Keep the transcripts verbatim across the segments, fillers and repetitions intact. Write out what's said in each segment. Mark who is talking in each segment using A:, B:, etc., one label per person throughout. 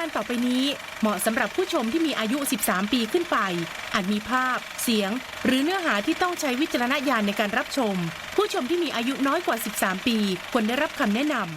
A: การต่อไปนี้เหมาะสำหรับผู้ชมที่มีอายุ สิบสาม ปีขึ้นไปอาจมีภาพเสียงหรือเนื้อหาที่ต้องใช้วิจารณญาณในการรับชมผู้ชมที่มีอายุน้อยกว่า สิบสาม ปีควรได้รับคำแนะนำ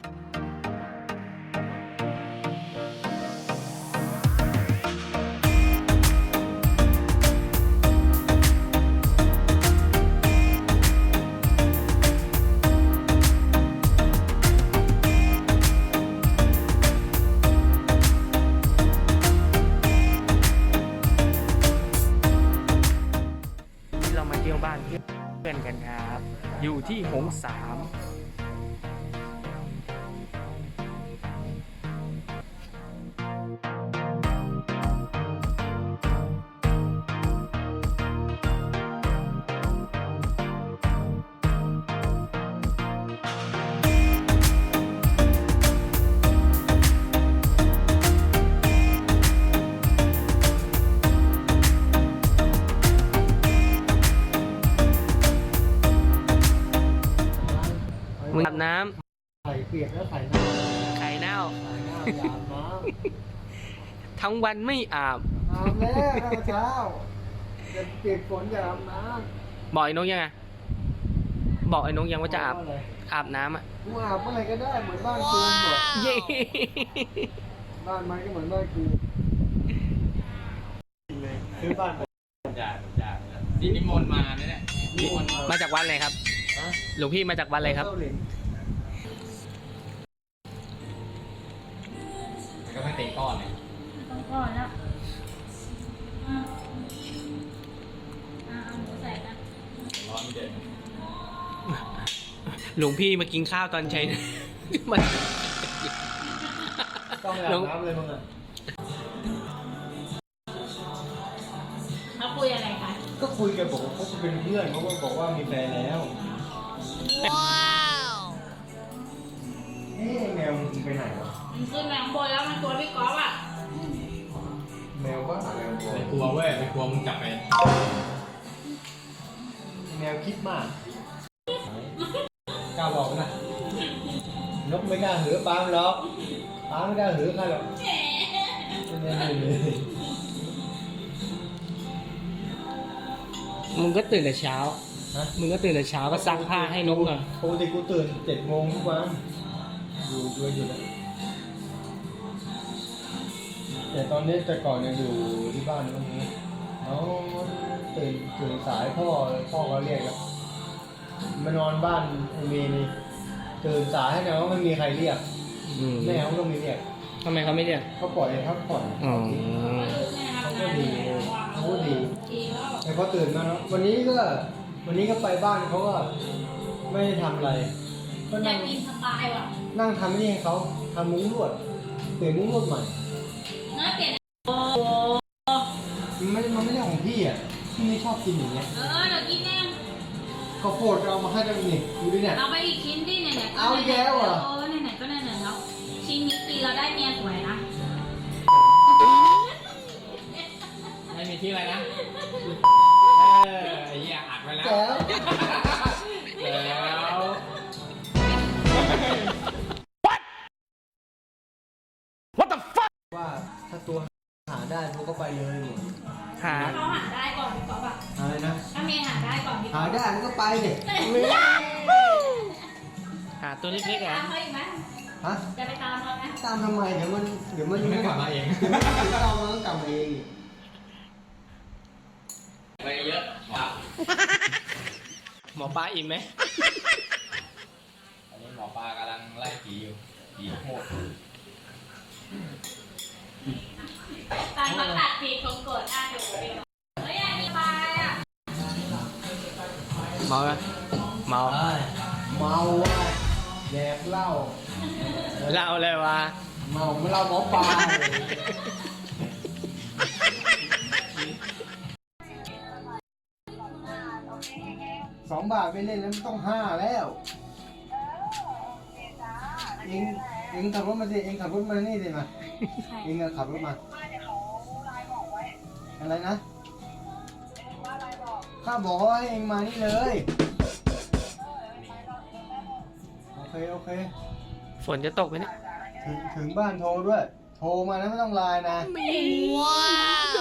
B: บ้านเพื่อนกันครับอยู่ที่หงสามมึงอาบน้ำ
C: ไข่เปียกแล้วไข่เน่า
B: ไข่เน่า
C: ไข่เน่าอย่าอาบน้ำ
B: ทั้งวันไม่อาบ
C: อาบแล้วข้าวเช้าจะเปียกฝนอย่าอาบน้
B: บอกไอ้นกยังไงบอกไอ้นกยัง
C: ำ
B: ว่าจะอาบ
C: อะไร
B: อาบน้ำอ่ะ
C: กูอาบเมื่อไหร่ก็ได้เหมือนบ้านกูหมด
B: เย้
C: บ้านมันก็เหมือนบ้านกูเลยซื้อบ้านผม
D: จ่าจ่านี่นิมนต์มาเนี่ยแหละนิมนต์
B: มาจากวัดอะไรครับ
C: ฮะ
B: หลวงพี่มาจากวัดอะไรครับ
C: เต้าหลิน
D: ก็ไม่เตะก้อนเลย
E: ต้องก่อนแล้วอ่าอ่าเอาหมูใส่กัน
D: ร้อนไม่เดิน
B: หลวงพี่มากินข้าวตอนเช้ามัน
C: ต้องไปอาบน้ำเลยมึงอ่ะ
E: เขาคุยอะไรคะ
C: ก็คุยกันบอกว่าเขาเป็นเพื่อนเขาก็บอกว่ามีแฟนแล้วเอ๊ะแมวมึงไปไหนวะ
E: มันขึ้นแมงบนแล้วมันตัวพี่ก๊อฟอ่ะ
C: แมวบ้าแมว
D: ไม่กลัวเว้ยไม่กลัวมึงจับไป
C: แมวคิดมากกล้าบอกนะนกไม่กล้าหือปลาหรอกปลาไม่กล้าหือใครหรอกไม่ได้เลย
B: มึงก็ตื่นแต่เช้า
C: ฮะ
B: มึงก็ตื่นแต่เช้าก็ซักผ้าให้นกหน่อย
C: ปกติกูตื่นเจ็ดโมงทุกวันอยู่ด้วยอยู่นะแต่ตอนนี้แต่ก่อนเนี่ยอยู่ที่บ้านตรงนี้เขาตื่นตื่นสายพ่อพ่อก็เรียกแล้วมานอนบ้านไอ้เมย์นี่ตื่นสายให้แต่ว่าไม่มีใครเรียก
B: อืม
C: แม่เขาก็ไม่เรียก
B: ทำไมเขาไม่เรียก
C: เขาปล่อยให้พักผ่อน
B: อ๋อ
C: เขาก็ดีเขาก็ดี
E: ดีแล้ว
C: แต่พอตื่นมาแล้ววันนี้ก็วันนี้ก็ไปบ้านเขาก็ไม่ได้ทำอะไรก็
E: อยา
C: นั่
E: ก
C: ง
E: กินสไตล์ว่ะ
C: นั่งทำนี่ให้เขาทำมุ้งลวดเปลี่ยนมุ้งลวดใหม่
E: น่าเปลี่ยนโอ้
C: มันไม่มันไม่ใช่ของพี่อ่ะพี่ไม่ชอบกินอย่างเงี้ย
E: เออเดี๋ยวกินแน่
C: ข้าวโพดก็เอามาให้ได้นี่ดูดิเนี่ย
E: เอาไปอีกชิ้นดิเนี่ยเนี่ย
C: เอาแย้วเหรอ
E: เออไหนๆก็ไหนๆแล้วชิ้นนี้ตีเราได้เมียสวยนะ
D: ไม่มีที่อะไรนะเออไอ้เหี้ยอัดไว้แล้ว
C: แจ๋ว
D: แล้ว
C: ว่าถ้าตัวหาได้พวกก็ไปเลยหมด
B: หา
E: ถ้าเขาหาได้ก่อนพี่ก๊อฟอ่ะ
C: อะไรนะ
E: ถ้าเมียหาได้ก่อนพี่
C: หาได้มันก็ไปดิ
B: หาตัวเล็กๆ
E: จะ
B: อ่ะ
E: ไปตามเขาอีกไหม
C: ฮะ
E: จะไปตามเขาไหม
C: ตามทำไมเดี๋ยวมันเดี๋ยวมัน
D: ไม่กลับมาเอง
C: เดี๋ยวมันถึงเรามันก็กลับมาเองอีก
D: ไปเยอะว่ะ
B: หมอปลาอิ่มไหม
D: อันนี้หมอปลากำลังไล่ผีอยู่ผีโหด
E: ตอนเขาตัดปีกของกดอ่ะเดี๋ยวเดี๋ยวเฮ้ยอันนี้ปลาอ่ะ
B: เมาไหมเมา
C: เมาว่ะแดกเหล้า
B: เล่าเลยว่า
C: เมาไม่เหล้าหมอปลาสองบาทไม่เล่นแล้วมันต้องห้าแล้วเองเองขับรถมาสิเองขับรถมานี่สิมาเองอะขับรถมาอะไรนะข้าบอกว่าให้เองมานี่เลยโอเคโอเค
B: ฝนจะตกไหมเนี่ย
C: ถึงถึงบ้านโทรด้วยโทรมานะไม่ต้องไลน์นะ
A: ว้าว